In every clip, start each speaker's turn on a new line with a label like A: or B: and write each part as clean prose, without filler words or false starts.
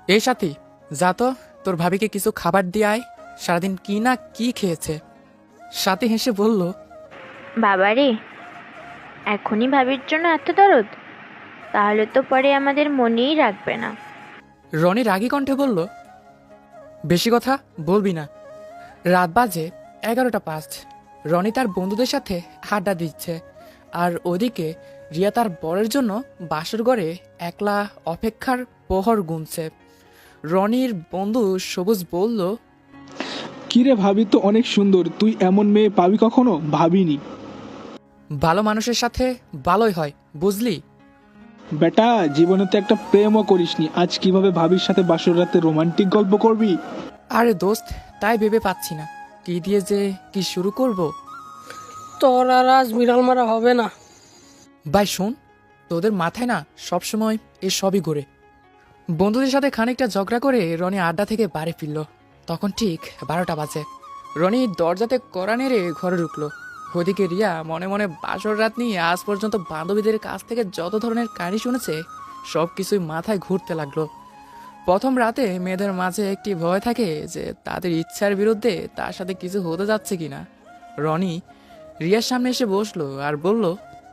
A: এই সাথী, যা তো তোর ভাবিকে কিছু খাবার দিয়ে আয়। সারাদিন কি না কি খেয়েছে। সাথী হেসে বলল,
B: বাবারে, এখনই ভাবির জন্য এত দরদ? তাহলে তো পরে আমাদের মনেই রাখবে না।
A: রনি রাগী কণ্ঠে বলল, বেশি কথা বলবি না। রাত বাজে 11টা 5। রনি তার বন্ধুদের সাথে আড্ডা দিচ্ছে, আর ওদিকে রিয়া তার বরের জন্য বাসর ঘরে একলা অপেক্ষার প্রহর গুনছে। রনির বন্ধু সবুজ বলল,
C: কিরে ভাবি তো অনেক সুন্দর, তুই এমন মেয়ে পাবি কখনো? ভাবিনি।
A: ভালো মানুষের সাথে ভালোই হয়, বুঝলি?
C: বেটা, জীবনে তো একটা প্রেমও করিসনি, আজ কিভাবে ভাবির সাথে বাসর রাতে রোমান্টিক গল্প করবি?
A: আরে দোস্ত, তাই ভেবে পাচ্ছি না কি দিয়ে যে কি শুরু করব।
D: তোর আর আজ বিড়াল মারা হবে না।
A: ভাই শোন, তোদের মাথায় না সবসময় এ সবই ঘুরে। বন্ধুদের সাথে খানিকটা ঝগড়া করে রনি আড্ডা থেকে বাড়ি ফিরল। তখন ঠিক 12টা বাজে। রনি দরজাতে কড়া নেড়ে ঘরে ঢুকলো। ওদিকে রিয়া মনে মনে বাসর রাত নিয়ে আজ পর্যন্ত বান্ধবীদের কাছ থেকে যত ধরনের কাহিনী শুনেছে সব কিছুই মাথায় ঘুরতে লাগলো। প্রথম রাতে মেয়েদের মাঝে একটি ভয় থাকে যে তাদের ইচ্ছার বিরুদ্ধে তার সাথে কিছু হতে যাচ্ছে কিনা। রনি রিয়ার সামনে এসে বসলো আর বলল,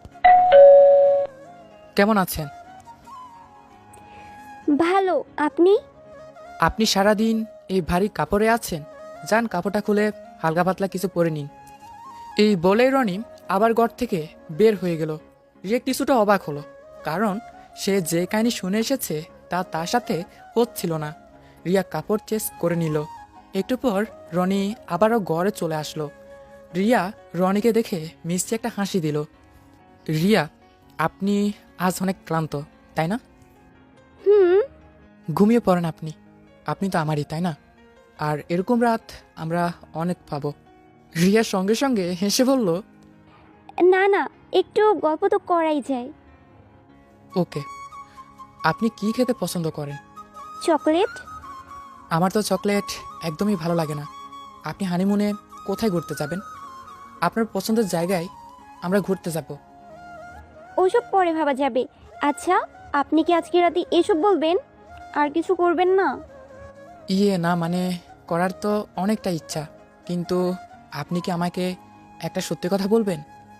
A: কেমন আছেন?
E: ভালো। আপনি?
A: আপনি সারাদিন এই ভারী কাপড়ে আছেন, যান কাপড়টা খুলে হালকা পাতলা কিছু পরে নিন। এই বলে রনি আবার ঘর থেকে বের হয়ে গেল। রিয়া কিছুটা অবাক হলো, কারণ সে যে কাহিনী শুনে এসেছে তা তার সাথে হচ্ছিল না। রিয়া কাপড় চেঞ্জ করে নিল। একটু পর রনি আবারও ঘরে চলে আসলো। রিয়া রনিকে দেখে মিষ্টি একটা হাসি দিল। রিয়া, আপনি আজ অনেক ক্লান্ত, তাই না?
E: হুম।
A: ঘুমিয়ে পড়েন আপনি। আপনি তো আমারই, তাই না? আর এরকম রাত আমরা অনেক পাবো। রিয়া সঙ্গে সঙ্গে হেসে বলল,
E: না না, একটু গল্প তো করাই যায়।
A: ওকে। আপনি কি খেতে পছন্দ করেন?
E: চকলেট।
A: আমার তো চকলেট একদমই ভালো লাগে না। আপনি হানিমুনে কোথায় ঘুরতে যাবেন? আপনার পছন্দের জায়গায় আমরা ঘুরতে যাব।
E: ওসব পরে ভাবা যাবে। আচ্ছা, আপনি কি আজকে রাতে এসব বলবেন? আর কিছু করবেন না?
A: ইয়ে না, মানে করার তো অনেকটা ইচ্ছা, কিন্তু আপনি কি আমাকে একটা সত্যি কথা বলবেন?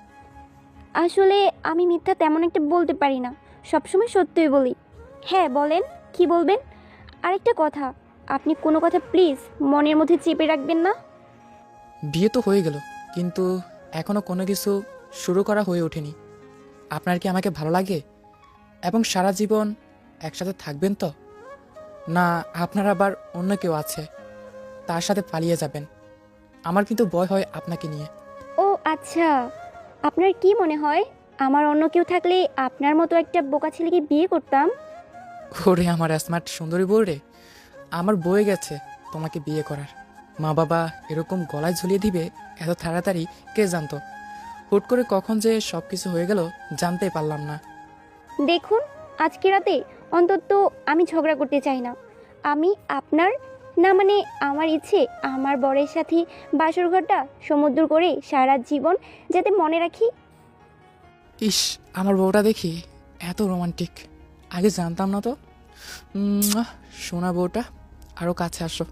E: আসলে আমি মিথ্যা তেমন একটা বলতে পারি না, সবসময় সত্যই বলি। হ্যাঁ বলেন, কি বলবেন? আরেকটা কথা, আপনি কোনো কথা প্লিজ মনের মধ্যে চেপে রাখবেন না।
A: বিয়ে তো হয়ে গেল, কিন্তু এখনো কোনো কিছু শুরু করা হয়ে ওঠেনি। আপনার কি আমাকে ভালো লাগে এবং সারা জীবন একসাথে থাকবেন তো? না আপনার আবার অন্য কেউ আছে, তার সাথে পালিয়ে যাবেন? আমার কিন্তু ভয় হয় আপনাকে নিয়ে।
E: ও আচ্ছা, আপনার কি মনে হয় আমার অন্য কেউ থাকলে আপনার মতো একটা বোকা ছেলেকে বিয়ে করতাম?
A: ওরে আমার স্মার্ট সুন্দরী বউ রে, আমার বয়ে গেছে তোমাকে বিয়ে করার। মা বাবা এরকম গলায় ঝুলিয়ে দিবে এত তাড়াতাড়ি কে জানতো? হুট করে কখন যে সব কিছু হয়ে গেল জানতেই পারলাম না।
E: দেখুন, আজকে রাতে অন্তত আমি ঝগড়া করতে চাই না। আমি আপনার, না মানে আমার ইচ্ছে আমার বরের সাথে বাসর ঘরটা সমুদ্র করে সারা জীবন যাতে মনে রাখি।
A: ইস, আমার বউটা দেখি এত রোমান্টিক, আগে জানতাম না তো। সোনা বউটা, আরও কাছে আসো।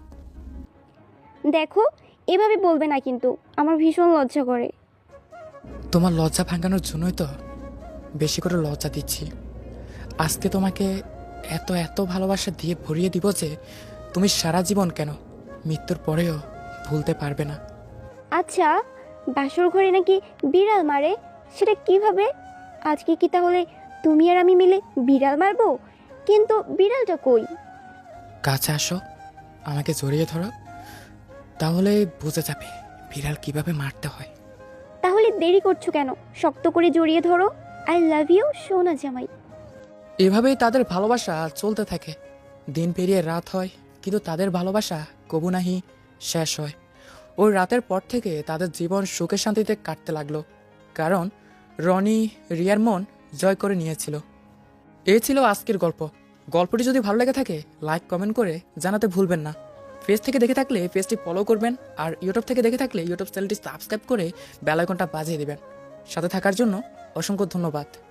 E: দেখো, এভাবে বলবে না কিন্তু, আমার ভীষণ লজ্জা করে।
A: তোমার লজ্জা ভাঙানোর জন্যই তো বেশি করে লজ্জা দিচ্ছি। আজকে তোমাকে এত এত ভালোবাসা দিয়ে ভরিয়ে দিব যে তুমি সারা জীবন কেন, মৃত্যুর পরেও ভুলতে পারবে না।
E: আচ্ছা, বাসর ঘরে নাকি বিড়াল মারে, সেটা কিভাবে? আজকে কি তাহলে তুমি আর আমি মিলে বিড়াল মারবো? কিন্তু বিড়ালটা কই?
A: কাছে আসো, আমাকে জড়িয়ে ধরো, তাহলে বুঝে যাবে বিড়াল কিভাবে মারতে হয়।
E: তাহলে দেরি করছো কেন? শক্ত করে জড়িয়ে ধরো। আই লাভ ইউ সোনা জামাই।
A: এভাবেই তাদের ভালোবাসা চলতে থাকে। দিন পেরিয়ে রাত হয়, কিন্তু তাদের ভালোবাসা কবু নাহি শেষ হয়। ওই রাতের পর থেকে তাদের জীবন সুখে শান্তিতে কাটতে লাগলো, কারণ রনি রিয়ার মন জয় করে নিয়েছিল। এ ছিল আজকের গল্প। গল্পটি যদি ভালো লেগে থাকে লাইক কমেন্ট করে জানাতে ভুলবেন না। ফেস থেকে দেখে থাকলে পেজটি ফলো করবেন, আর ইউটিউব থেকে দেখে থাকলে ইউটিউব চ্যানেলটি সাবস্ক্রাইব করে বেল আইকনটা বাজিয়ে দিবেন। সাথে থাকার জন্য অসংখ্য ধন্যবাদ।